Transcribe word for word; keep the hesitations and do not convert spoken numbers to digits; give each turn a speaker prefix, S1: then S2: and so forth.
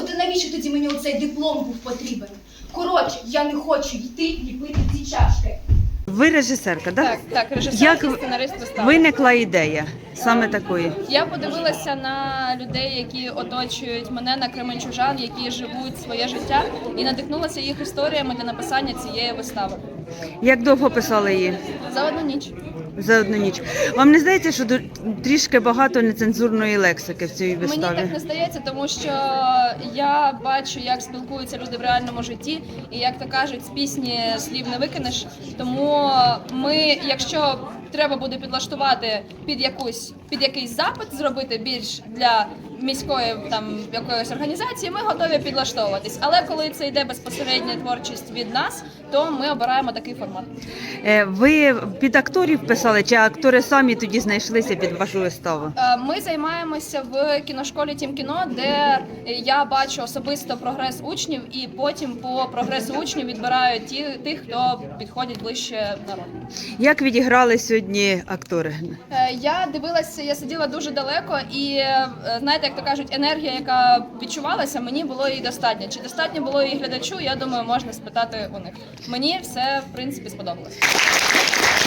S1: От і навіщо тоді мені оцей диплом був потрібен? Коротше, я не хочу йти ліпити ці чашки.
S2: Ви режисерка, да?
S3: Так, так, режисер
S2: Як
S3: і сценарист вистави.
S2: виникла ідея саме такої?
S3: Я подивилася на людей, які оточують мене, на кременчужан, які живуть своє життя, і надихнулася їх історіями для написання цієї вистави.
S2: Як довго писали її?
S3: За одну ніч.
S2: За одну ніч. Вам не здається, що ду- трішки багато нецензурної лексики в цій виставі?
S3: Мені так не здається, тому що я бачу, як спілкуються люди в реальному житті, і як то кажуть, з пісні слів не викинеш. Тому ми, якщо треба буде підлаштувати під якусь під якийсь запит, зробити більш для міської там якоїсь організації, ми готові підлаштовуватись. Але коли це йде безпосередня творчість від нас, то ми обираємо такий формат.
S2: Е, Ви під акторів писали, чи актори самі тоді знайшлися під вашу виставу?
S3: Е, Ми займаємося в кіношколі Тім кіно, де я бачу особисто прогрес учнів, і потім по прогресу учнів відбираю ті, тих, хто підходить ближче народу.
S2: Як відіграли сьогодні актори?
S3: Е, Я дивилася, я сиділа дуже далеко, і е, знаєте, як то кажуть, енергія, яка відчувалася, мені було її достатньо. Чи достатньо було її глядачу? Я думаю, можна спитати у них. Мені все в принципі сподобалось.